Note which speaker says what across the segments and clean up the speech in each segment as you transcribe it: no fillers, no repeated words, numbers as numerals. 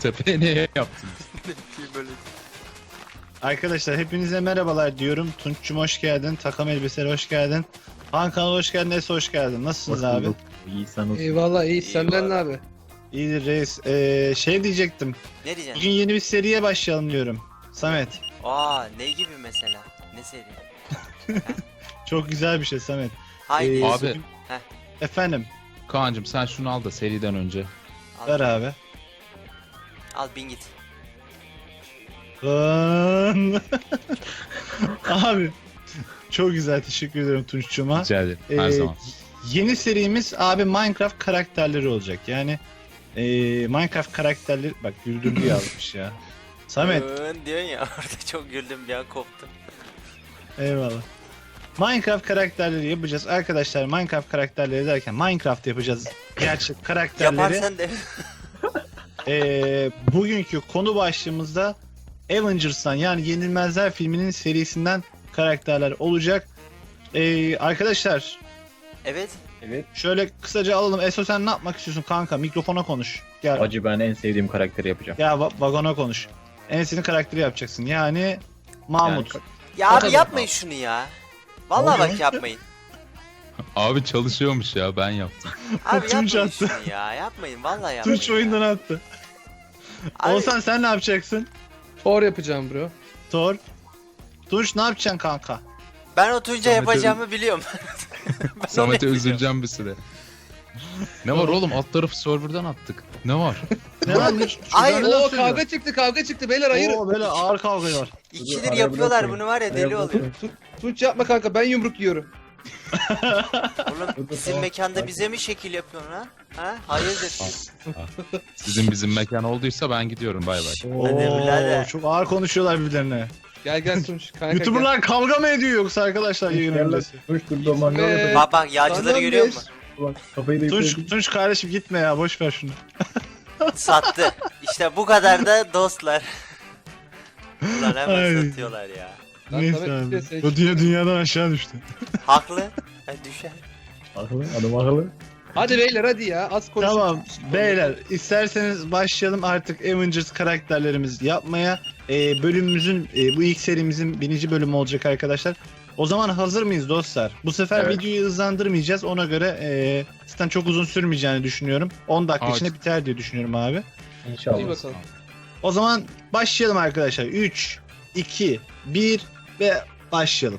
Speaker 1: Göztepe'ye niye yaptınız?
Speaker 2: Böyle.
Speaker 3: Arkadaşlar hepinize merhabalar diyorum. Tunç'cum hoş geldin. Takım elbiseli hoş geldin. Hakan hoş geldin. Enes hoş geldin. Nasılsınız abi?
Speaker 4: İyi sen olsun.
Speaker 5: Eyvallah iyi. Senden ne
Speaker 2: Eyvallah.
Speaker 5: abi?
Speaker 3: İyidir reis. Şey diyecektim.
Speaker 2: Ne diyeceksin?
Speaker 3: Bugün yeni bir seriye başlayalım diyorum. Samet.
Speaker 2: Aa, ne gibi mesela? Ne seri?
Speaker 3: Çok güzel bir şey Samet.
Speaker 2: Haydi.
Speaker 3: Ee,
Speaker 1: Abi
Speaker 2: Heh.
Speaker 3: Efendim.
Speaker 1: Kaan'cım sen şunu al da seriden önce.
Speaker 2: Al,
Speaker 3: Ver abi.
Speaker 2: al bin git.
Speaker 3: Lan. Abi. Çok güzel. Teşekkür ederim Tunç'cuma.
Speaker 1: Rica ederim. Her
Speaker 3: Ee,
Speaker 1: zaman.
Speaker 3: Yeni serimiz abi Minecraft karakterleri olacak. Yani Minecraft karakterleri bak güldürdü yazmış ya. Samet
Speaker 2: Diyorsun ya orada çok güldüm bir an koptum.
Speaker 3: eyvallah. Minecraft karakterleri yapacağız. Arkadaşlar Minecraft karakterleri derken Minecraft yapacağız. Gerçek karakterleri.
Speaker 2: Yaparsan de.
Speaker 3: Bugünkü konu başlığımızda Avengers'tan yani Yenilmezler filminin serisinden karakterler olacak. Arkadaşlar
Speaker 2: Evet.
Speaker 4: Evet.
Speaker 3: şöyle kısaca alalım. Eso sen ne yapmak istiyorsun kanka? Mikrofona konuş. Gel.
Speaker 4: Acı ben en sevdiğim karakteri yapacağım.
Speaker 3: Ya vagona konuş. Enes'in karakteri yapacaksın. Yani Mahmut.
Speaker 2: Ya
Speaker 3: O
Speaker 2: abi
Speaker 3: kadar.
Speaker 2: yapmayın şunu ya. Vallahi bak yapmayın.
Speaker 1: Abi çalışıyormuş ya, ben yaptım.
Speaker 2: Abi
Speaker 3: Tunç
Speaker 2: yapmayın
Speaker 3: attı.
Speaker 2: şunu ya. Yapmayın vallahi yapmayın.
Speaker 3: Tunç oyundan attı.
Speaker 2: Abi,
Speaker 3: Oğuzhan sen ne yapacaksın?
Speaker 5: Thor yapacağım bro.
Speaker 3: Thor. Tunç ne yapacaksın kanka?
Speaker 2: ben o Tunç'a
Speaker 1: Samet'e-
Speaker 2: yapacağımı biliyorum. Ben
Speaker 1: Samet'e
Speaker 2: onu
Speaker 1: üzüleceğim bir süre. Ne var oğlum, alt tarafı serverdan attık. Ne var?
Speaker 3: Ne lan?
Speaker 2: Ay,
Speaker 5: Oo kavga çıktı beyler hayır.
Speaker 3: Oo böyle ağır kavga var.
Speaker 2: İkidir yapıyorlar bunu var ya deli oluyor.
Speaker 5: Tunç yapma kanka ben yumruk yiyorum.
Speaker 2: Oğlum bizim mekanda bize mi şekil yapıyorsun ha? Ha? Hayırdır?
Speaker 1: Bizim mekan olduysa ben gidiyorum, bay bay.
Speaker 2: Hadi birader.
Speaker 3: Çok ağır konuşuyorlar birbirlerine.
Speaker 5: Gel Tunç kanka.
Speaker 3: YouTuber'lar kavga mı ediyor yoksa arkadaşlar yayın öncesi?
Speaker 4: Tuş dur mangal
Speaker 5: Ve-
Speaker 4: yapacağım.
Speaker 2: Bak bak yağcıları
Speaker 5: Senden
Speaker 2: görüyor
Speaker 5: beş.
Speaker 2: musun?
Speaker 4: Kafayı da
Speaker 3: Tunç kardeşim gitme ya boş ver şunu.
Speaker 2: Sattı. İşte bu kadar da dostlar. Ulan hemen
Speaker 3: Ay.
Speaker 2: satıyorlar ya.
Speaker 5: Lan
Speaker 3: Neyse
Speaker 5: Samet
Speaker 3: abi.
Speaker 5: işte seç.
Speaker 3: O dünyadan aşağı düştü.
Speaker 2: Haklı. Düşer.
Speaker 4: Akıllı, adam akıllı.
Speaker 5: Hadi beyler hadi ya az konuş.
Speaker 3: Tamam beyler isterseniz başlayalım artık Avengers karakterlerimizi yapmaya. Bölümümüzün bu ilk serimizin 1. bölümü olacak arkadaşlar. O zaman hazır mıyız dostlar? Bu sefer
Speaker 4: Evet.
Speaker 3: videoyu hızlandırmayacağız. Ona göre zaten çok uzun sürmeyeceğini düşünüyorum. 10 dakika
Speaker 1: Evet.
Speaker 3: içinde biter diye düşünüyorum abi.
Speaker 4: İnşallah.
Speaker 5: İyi bakalım.
Speaker 3: O zaman başlayalım arkadaşlar. 3, 2, 1 ve başlayalım.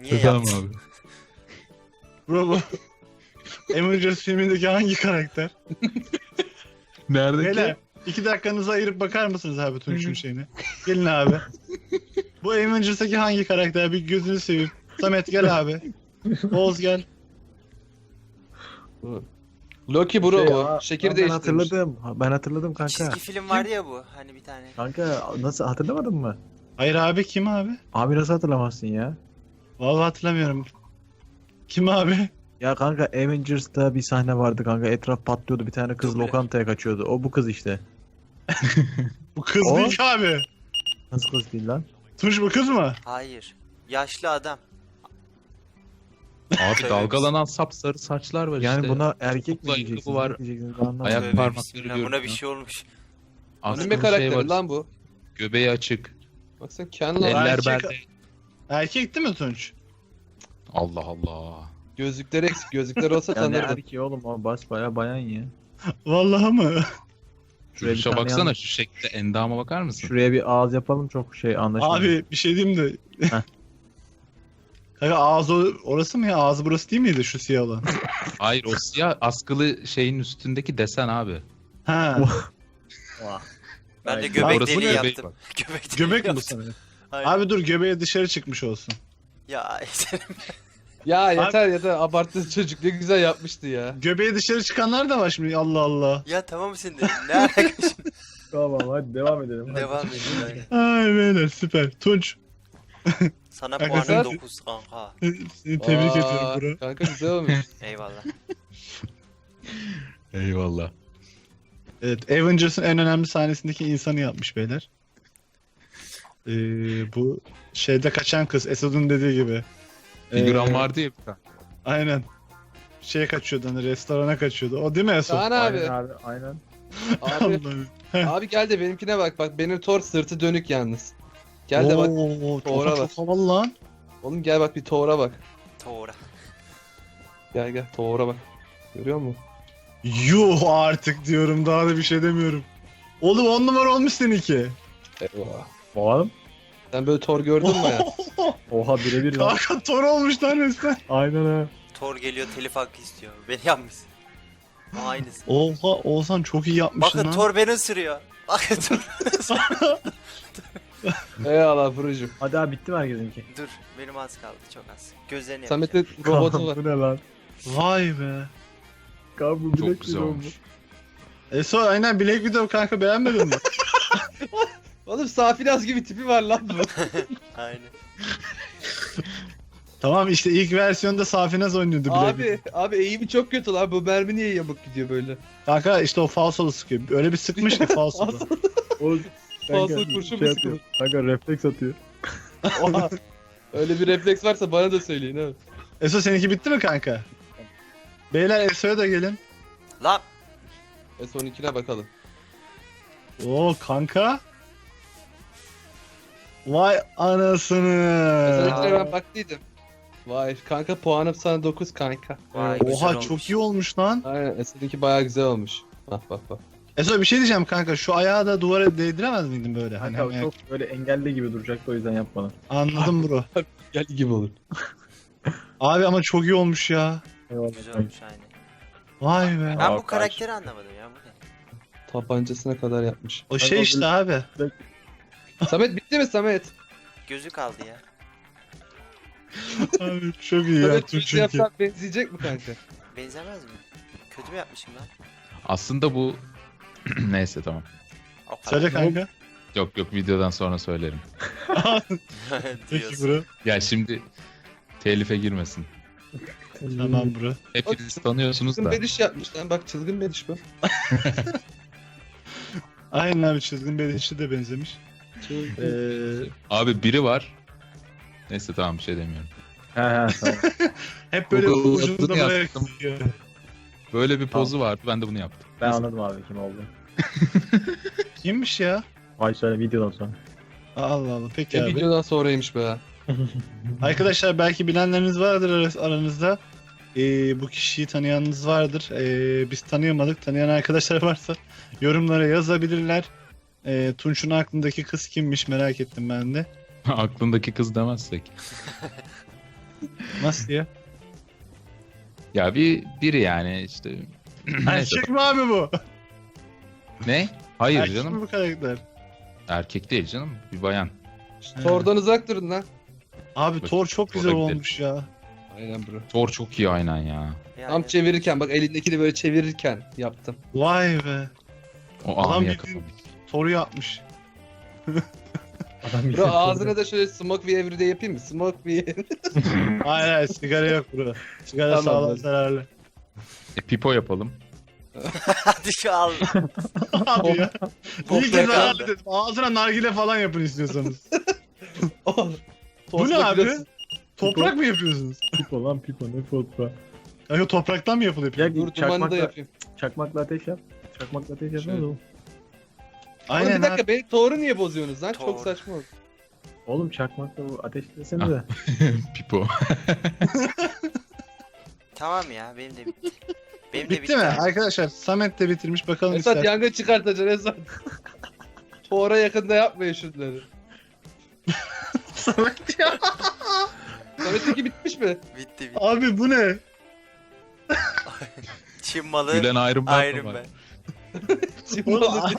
Speaker 2: Niye
Speaker 1: Tamam
Speaker 2: yaptın?
Speaker 1: abi.
Speaker 3: Bro bu. Avengers filmindeki hangi karakter?
Speaker 1: Neredeki?
Speaker 3: Beyler 2 dakikanızı ayırıp bakar mısınız abi Tunç'un şeyine? Gelin abi. Bu Avengers'taki hangi karakter? Bir gözünü seveyim. Samet gel abi. Oğuz gel.
Speaker 5: Loki bro
Speaker 4: Şey,
Speaker 5: bu.
Speaker 4: aa,
Speaker 5: Şekil
Speaker 4: ben
Speaker 5: değiştirmiş.
Speaker 4: hatırladım. Ben hatırladım kanka.
Speaker 2: Çizgi film vardı ya bu. Hani bir tane.
Speaker 4: Kanka nasıl hatırlamadın mı?
Speaker 3: Hayır abi kim abi?
Speaker 4: Abi nasıl hatırlamazsın ya?
Speaker 3: Vallahi hatırlamıyorum. Kim abi?
Speaker 4: Ya kanka Avengers'ta bir sahne vardı kanka. Etraf patlıyordu. Bir tane kız
Speaker 2: Duble.
Speaker 4: lokantaya kaçıyordu. O bu kız işte.
Speaker 3: Bu kız
Speaker 4: O?
Speaker 3: değil ki abi.
Speaker 4: Nasıl kız değil lan?
Speaker 3: Tunç bu kız mı?
Speaker 2: Hayır. Yaşlı adam.
Speaker 1: Abi
Speaker 2: Tövbe
Speaker 1: dalgalanan sapsarı saçlar var
Speaker 4: Yani
Speaker 1: işte.
Speaker 4: buna erkek mi
Speaker 1: Topla ayakkabı
Speaker 4: diyeceksiniz?
Speaker 1: var.
Speaker 4: Ne diyeceksiniz ben anlamadım.
Speaker 1: Ayak
Speaker 2: Tövbe
Speaker 1: parmakları
Speaker 2: bismillah,
Speaker 1: görünüyor.
Speaker 2: Buna bir şey olmuş.
Speaker 1: Aslında
Speaker 5: Anime
Speaker 1: şey
Speaker 5: karakteri
Speaker 1: var.
Speaker 5: lan bu.
Speaker 1: Göbeği açık.
Speaker 5: Baksana Ken lan.
Speaker 3: Eller-
Speaker 1: Eller
Speaker 3: Erkek-
Speaker 1: belde.
Speaker 3: Erkek değil mi Tunç?
Speaker 1: Allah Allah.
Speaker 5: Gözlükleri eksik. Gözlükleri olsa
Speaker 4: Yani
Speaker 5: tanırdım.
Speaker 4: erkeği oğlum o basbayağı bayan ya.
Speaker 3: Vallahi mı?
Speaker 1: Şu
Speaker 4: Şuraya bir
Speaker 1: duşa
Speaker 4: tane
Speaker 1: baksana,
Speaker 4: yanlış-
Speaker 1: şu şekilde endama bakar mısın?
Speaker 4: Şuraya bir ağız yapalım çok şey anlaşılır.
Speaker 3: Abi bir şey diyeyim de.
Speaker 4: Heh.
Speaker 3: Kanka ağzı orası mı ya? Ağzı burası değil miydi şu siyah olan?
Speaker 1: Hayır, o siyah askılı şeyin üstündeki desen abi.
Speaker 3: Ha.
Speaker 2: Ben de
Speaker 4: Ay,
Speaker 2: göbek
Speaker 1: orası
Speaker 2: deliği
Speaker 1: göbeği
Speaker 2: yaptım.
Speaker 1: bak.
Speaker 2: Göbek deliği
Speaker 3: Göbek mi bu
Speaker 2: yaptım.
Speaker 3: sana?
Speaker 2: Aynen.
Speaker 3: Abi dur göbeğe dışarı çıkmış olsun.
Speaker 2: Ya senin
Speaker 5: Ya yeter yeter. Abarttı çocuk. Ne güzel yapmıştı ya.
Speaker 3: Göbeğe dışarı çıkanlar da var şimdi Allah Allah.
Speaker 2: ya tamam şimdi. Ne alaka şimdi?
Speaker 4: Tamam hadi devam edelim.
Speaker 2: Devam edin. Aynen.
Speaker 3: Ay beyler süper. Tunç
Speaker 2: Sana
Speaker 3: Kanka
Speaker 2: puanım
Speaker 5: sen-
Speaker 2: 9 kanka.
Speaker 3: seni tebrik
Speaker 5: Aa,
Speaker 3: ediyorum bro.
Speaker 5: Kanka güzel olmuş.
Speaker 2: Eyvallah.
Speaker 1: Eyvallah.
Speaker 3: Evet Avengers'ın en önemli sahnesindeki insanı yapmış beyler. Bu şeyde kaçan kız Esod'un dediği gibi.
Speaker 1: Figüran vardı ya bir tane.
Speaker 3: Aynen. Şeye kaçıyordu hani restorana kaçıyordu. O değil mi Esod?
Speaker 5: Kaan
Speaker 4: Aynen
Speaker 5: abi.
Speaker 4: abi aynen.
Speaker 5: Abi,
Speaker 3: Allah'ım.
Speaker 5: abi gel de benimkine bak. Bak benim Thor sırtı dönük yalnız. Gel de bak.
Speaker 3: Oo,
Speaker 5: Thor'a
Speaker 3: çok
Speaker 5: bak.
Speaker 3: çok havalı lan.
Speaker 5: Oğlum gel bak bir Thor'a bak.
Speaker 2: Doğru.
Speaker 5: Gel gel Thor'a bak. Görüyor musun?
Speaker 3: Yuh artık diyorum daha da bir şey demiyorum. Oğlum 10 numara olmuş seninki.
Speaker 5: Eyvah.
Speaker 4: Oğlum.
Speaker 5: Sen böyle Thor gördün mü ya?
Speaker 4: Oha birebir lan.
Speaker 3: Kanka Thor olmuş lan resmen.
Speaker 4: Aynen ha.
Speaker 2: Thor geliyor telif hakkı istiyor. Beni yapmışsın. Aynısı.
Speaker 3: Oha Oğuzhan çok iyi yapmışsın
Speaker 2: Bakın
Speaker 3: lan.
Speaker 2: Thor beni ısırıyor. Bakın Thor.
Speaker 5: Eyvallah Furucuğum.
Speaker 4: Hadi abi bitti mi herkesinki?
Speaker 2: Dur benim az kaldı çok az. Gözlerini yapacağım.
Speaker 5: Samet'in robotu var.
Speaker 4: Bu ne lan?
Speaker 3: Vay be.
Speaker 4: Kanka bu
Speaker 1: Çok
Speaker 4: bilek
Speaker 1: güzel
Speaker 4: gibi
Speaker 1: olmuş.
Speaker 3: Eso aynen Black Widow kanka beğenmedin mi?
Speaker 5: Oğlum Safinaz gibi tipi var lan bu.
Speaker 2: Aynen.
Speaker 3: Tamam işte ilk versiyonda Safinaz oynuyordu Black Widow.
Speaker 5: abi eğimi çok kötü lan. Bu mermi niye yamuk gidiyor böyle?
Speaker 3: Kanka işte o falsolu sıkıyor. Öyle bir sıkmış ki falsolu.
Speaker 4: Oğlum.
Speaker 5: Fazla
Speaker 4: kanka,
Speaker 5: kurşun
Speaker 4: şey
Speaker 5: mu
Speaker 4: atıyor. Kanka refleks atıyor.
Speaker 5: Oha. Öyle bir refleks varsa bana da söyleyin ha.
Speaker 3: Eso seninki bitti mi kanka? Beyler Eso'ya da gelin.
Speaker 2: Lan
Speaker 5: S12'ne bakalım.
Speaker 3: Oo kanka. Vay anasını.
Speaker 5: S12'ne ben baktıydım. Vay kanka puanım sana 9 kanka.
Speaker 2: Vay,
Speaker 5: Evet.
Speaker 2: güzel
Speaker 3: Oha
Speaker 2: olmuş.
Speaker 3: çok iyi olmuş lan.
Speaker 5: Aynen S12 bayağı güzel olmuş. Bak bak bak.
Speaker 3: Eso bir şey diyeceğim kanka. Şu ayağı da duvara değdiremez miydin böyle? Hani
Speaker 4: Kanka o
Speaker 3: hem
Speaker 4: çok böyle engelli gibi duracaktı o yüzden yapmadım.
Speaker 3: Anladım bro.
Speaker 5: Gel gibi olur.
Speaker 3: Abi ama çok iyi olmuş ya.
Speaker 4: Eyvallah.
Speaker 2: güzel olmuş aynen.
Speaker 3: Vay be.
Speaker 2: Ben
Speaker 4: Aa,
Speaker 2: bu karakteri anlamadım ya bu ne?
Speaker 5: Tabancasına kadar yapmış.
Speaker 3: O şey işte abi.
Speaker 5: Samet bitti mi Samet?
Speaker 2: Gözü kaldı ya.
Speaker 3: Abi çok iyi ya.
Speaker 5: Samet
Speaker 3: Tunç
Speaker 5: bir
Speaker 3: çünkü.
Speaker 5: yapsan benzeyecek mi kanka?
Speaker 2: Benzemez mi? Kötü mü yapmışım lan?
Speaker 1: Aslında bu... Neyse tamam.
Speaker 2: O kadar.
Speaker 3: Söyle kanka.
Speaker 1: Yok videodan sonra söylerim.
Speaker 3: Peki
Speaker 2: Diyorsun.
Speaker 3: bro.
Speaker 1: Ya şimdi telife girmesin.
Speaker 3: Tamam bro.
Speaker 1: Hepiniz tanıyorsunuz
Speaker 5: Çılgın
Speaker 1: da.
Speaker 5: bediş yapmış lan bak çılgın bediş bu.
Speaker 3: Aynen abi çizgin bedişi de benzemiş.
Speaker 1: Abi biri var. Neyse tamam bir şey demiyorum.
Speaker 4: He he tamam.
Speaker 3: Hep böyle
Speaker 1: Google
Speaker 3: ucunda
Speaker 1: adını
Speaker 3: buraya
Speaker 1: yaptım.
Speaker 3: kısıyor.
Speaker 1: Böyle bir pozu vardı, ben de bunu yaptım.
Speaker 4: Ben anladım abi kim oldu.
Speaker 3: Kimmiş ya?
Speaker 4: Ay söyle videodan sonra.
Speaker 3: Allah Allah peki
Speaker 5: Ne
Speaker 3: abi.
Speaker 5: videodan sonraymış be.
Speaker 3: Arkadaşlar belki bilenleriniz vardır aranızda. Bu kişiyi tanıyanınız vardır. Biz tanıyamadık. Tanıyan arkadaşlar varsa yorumlara yazabilirler. Tunç'un aklındaki kız kimmiş merak ettim ben de.
Speaker 1: Aklındaki kız demezsek.
Speaker 3: Nasıl ya?
Speaker 1: Ya biri yani işte. Neyse.
Speaker 3: Erkek mi abi bu?
Speaker 1: Ne? Hayır
Speaker 3: Erkek
Speaker 1: canım.
Speaker 3: mi bu karakter?
Speaker 1: Erkek değil canım. Bir bayan.
Speaker 5: Thor'dan uzak durun lan.
Speaker 3: Abi
Speaker 1: Bak,
Speaker 3: Thor çok güzel
Speaker 1: olabilir.
Speaker 3: olmuş ya.
Speaker 5: Aynen bro.
Speaker 1: Thor çok iyi aynen ya.
Speaker 2: Yani,
Speaker 5: Tam çevirirken bak elindekini böyle çevirirken yaptım.
Speaker 3: Vay be.
Speaker 1: O
Speaker 3: Adam
Speaker 1: anı
Speaker 3: bildiğin-
Speaker 1: yakalamış.
Speaker 3: Thor'u yapmış.
Speaker 4: Adam
Speaker 5: Bro ağzına da şöyle smoke bir every'de yapayım mı? Smoke bir
Speaker 3: Hayır hayır sigara yok bro. Sigara
Speaker 5: Tamam,
Speaker 3: sağlığa
Speaker 5: hadi.
Speaker 3: zararlı.
Speaker 1: Pipo yapalım.
Speaker 2: Hadi şu al.
Speaker 3: Abi ya. İyi ki
Speaker 2: Toprak
Speaker 3: zararlı
Speaker 2: aldı.
Speaker 3: dedim. Ağzına nargile falan yapın istiyorsanız.
Speaker 5: Oh.
Speaker 3: Bu ne abi? Toprak mı yapıyorsunuz?
Speaker 4: Pipo lan pipo ne fotoğraf.
Speaker 3: Yani topraktan mı yapılıyor?
Speaker 4: Ya
Speaker 5: Dur dumanı da
Speaker 4: çakmakla,
Speaker 5: yapayım.
Speaker 4: çakmakla ateş yap. Çakmakla ateş yap.
Speaker 5: Şöyle.
Speaker 4: Oğlum.
Speaker 5: Oğlum
Speaker 3: Aynen
Speaker 5: bir dakika
Speaker 3: abi.
Speaker 5: beni Thor'u niye bozuyorsunuz lan?
Speaker 2: Thor.
Speaker 5: Çok saçma oldu.
Speaker 4: Oğlum çakmakla bu ateş desene de.
Speaker 1: Pipo.
Speaker 2: Tamam ya benim de bitti. Benim de
Speaker 3: Bitti mi? Arkadaşlar Samet de bitirmiş bakalım
Speaker 5: Esat
Speaker 3: ister.
Speaker 5: yangın çıkartacaksın Esat. Thor'a yakında yapmayın şunları.
Speaker 3: Samet ya.
Speaker 5: Samet'teki bitmiş mi?
Speaker 2: Bitti bitti.
Speaker 3: Abi bu ne?
Speaker 2: Çin malı
Speaker 1: Gülen Iron Man.
Speaker 2: Iron
Speaker 1: var.
Speaker 2: Man.
Speaker 5: Şimdi
Speaker 3: Oğlum,
Speaker 5: oldu.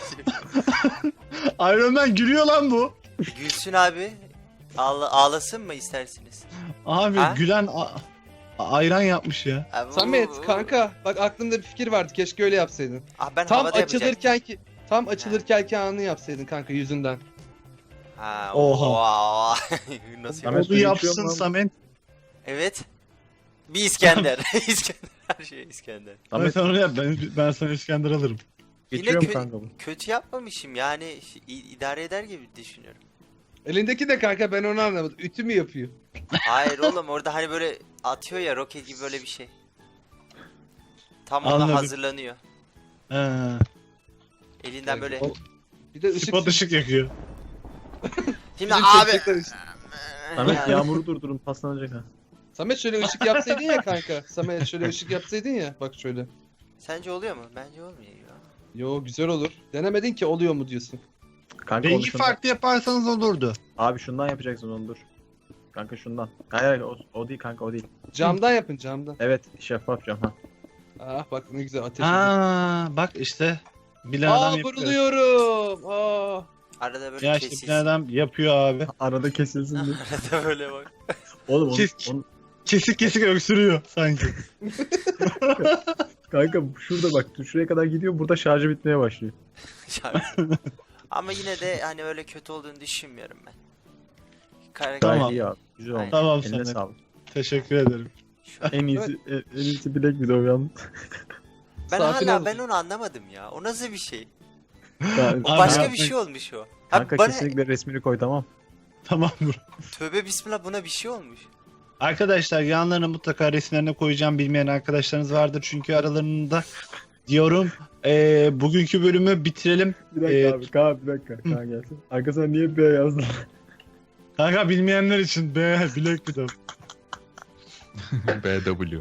Speaker 3: Iron Man gülüyor lan bu.
Speaker 2: Gülsün abi. Ağlasın mı istersiniz?
Speaker 3: Abi
Speaker 2: Ha?
Speaker 3: gülen ayran yapmış ya.
Speaker 2: Abi,
Speaker 5: Samet kanka bak aklımda bir fikir vardı. Keşke öyle yapsaydın.
Speaker 2: Ah ben
Speaker 5: Tam
Speaker 2: havada yapacaktım.
Speaker 5: açılırken anı yapsaydın kanka yüzünden.
Speaker 2: Ha,
Speaker 3: Oha.
Speaker 2: oha. Nasıl
Speaker 4: Samet
Speaker 3: Onu
Speaker 4: suyu içiyor
Speaker 3: yapsın
Speaker 4: mu lan?
Speaker 3: Samet.
Speaker 2: Evet. Bir İskender. İskender. Her şey İskender.
Speaker 3: Samet onu yap. Ben sana İskender alırım.
Speaker 4: Geçiyor mu
Speaker 2: Yine
Speaker 4: kanka bu?
Speaker 2: kötü yapmamışım yani idare eder gibi düşünüyorum.
Speaker 5: Elindeki de kanka ben onu anlamadım. Ütü mü yapıyor?
Speaker 2: Hayır oğlum orada hani böyle atıyor ya roket gibi böyle bir şey. Tam ona
Speaker 3: Anladım.
Speaker 2: hazırlanıyor.
Speaker 3: Ha.
Speaker 2: Elinden böyle.
Speaker 5: O- Bir de ışık.
Speaker 3: Spot ışık yakıyor.
Speaker 2: Şimdi
Speaker 5: Bizim
Speaker 2: abi.
Speaker 5: çekecekler işte.
Speaker 4: Samet yağmuru durdurun paslanacak ha.
Speaker 5: Samet şöyle ışık yapsaydın ya kanka. Samet şöyle ışık yapsaydın ya. Bak şöyle.
Speaker 2: Sence oluyor mu? Bence olmuyor ya.
Speaker 5: Yo güzel olur. Denemedin ki oluyor mu diyorsun.
Speaker 4: Kanka onu
Speaker 3: Rengi
Speaker 4: şundan.
Speaker 3: farklı yaparsanız olurdu.
Speaker 4: Abi şundan yapacaksın onu dur. Kanka şundan. Hayır o değil kanka o değil.
Speaker 5: Camdan yapın camdan.
Speaker 4: Evet şeffaf cam ha.
Speaker 5: Ah bak ne güzel ateş. ediyor.
Speaker 3: Aa bak işte. Bilen adam
Speaker 5: Aa
Speaker 3: yapıyor.
Speaker 5: vuruluyorum. Aa.
Speaker 2: Arada böyle
Speaker 3: Ya işte
Speaker 2: kesilsin.
Speaker 3: bilen adam yapıyor abi.
Speaker 4: Arada kesilsin diye.
Speaker 2: Arada böyle bak.
Speaker 4: Oğlum
Speaker 3: Kes-
Speaker 4: onu,
Speaker 3: Kesik kesik öksürüyor sanki.
Speaker 4: kanka şurada bak şuraya kadar gidiyor burada şarjı bitmeye başlıyor.
Speaker 2: Şarkı. Ama yine de hani öyle kötü olduğunu düşünmüyorum ben.
Speaker 4: Gayet
Speaker 3: Tamam.
Speaker 4: iyi abi. Güzel oldu.
Speaker 2: Aynen.
Speaker 3: Tamam
Speaker 4: Eline
Speaker 3: Samet.
Speaker 4: sağlık.
Speaker 3: Teşekkür ederim.
Speaker 4: En iyisi bilek video yalnız.
Speaker 2: Ben
Speaker 5: Sakin
Speaker 2: hala
Speaker 5: ol.
Speaker 2: ben onu anlamadım ya. O nasıl bir şey?
Speaker 4: Ya,
Speaker 2: O
Speaker 3: Abi
Speaker 2: başka
Speaker 3: ya,
Speaker 2: bir şey olmuş o.
Speaker 4: kanka
Speaker 2: Abi bana
Speaker 4: kesinlikle resmini koy tamam.
Speaker 3: Tamam bro.
Speaker 2: tövbe bismillah buna bir şey olmuş.
Speaker 3: Arkadaşlar yanlarına mutlaka resimlerine koyacağım, bilmeyen arkadaşlarınız vardır çünkü aralarında diyorum. Bugünkü bölümü bitirelim.
Speaker 4: Bir dakika abi Kaan bir dakika Kaan gelsin. Arkasına niye B yazdın?
Speaker 3: Kanka bilmeyenler için bilek bir de.
Speaker 1: BW.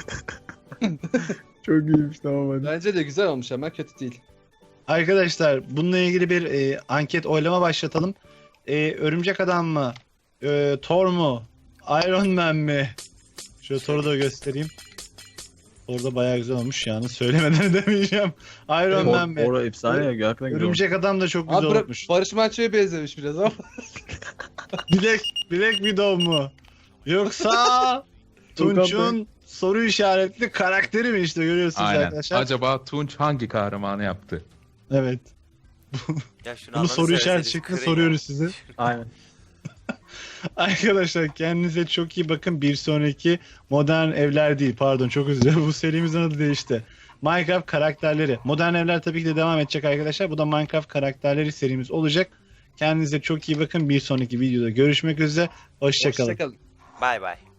Speaker 4: Çok iyiymiş tamam hadi.
Speaker 5: Bence de güzel olmuş ama kötü değil.
Speaker 3: Arkadaşlar bununla ilgili bir anket oylama başlatalım. Örümcek Adam mı? Thor mu? Iron Man mi? Şöyle Thor'u da göstereyim. Thor da bayağı güzel olmuş yani söylemeden demeyeceğim. Iron Man mi?
Speaker 4: Ora efsane ya hakikaten güzel olmuş.
Speaker 3: Örümcek Adam da çok güzel
Speaker 5: Abi
Speaker 3: olmuş.
Speaker 5: Barış Manço'ya benzemiş biraz ama.
Speaker 3: Black Widow mu? Yoksa Tunç'un soru işaretli karakteri mi işte görüyorsunuz
Speaker 1: Aynen.
Speaker 3: arkadaşlar.
Speaker 1: Acaba Tunç hangi kahramanı yaptı?
Speaker 3: Evet.
Speaker 2: Ya şunu
Speaker 3: Bunu
Speaker 2: Allah'ını
Speaker 3: soru işareti
Speaker 2: severseniz
Speaker 3: şeklinde
Speaker 2: kırın ya.
Speaker 3: soruyoruz size.
Speaker 4: Aynen.
Speaker 3: Arkadaşlar kendinize çok iyi bakın. Bir sonraki Modern Evler değil pardon çok özür dilerim. Bu serimizin adı değişti. Minecraft karakterleri. Modern Evler tabii ki de devam edecek arkadaşlar. Bu da Minecraft karakterleri serimiz olacak. Kendinize çok iyi bakın. Bir sonraki videoda görüşmek üzere. Hoşçakalın.
Speaker 5: Hoşçakalın.
Speaker 2: Bay bay.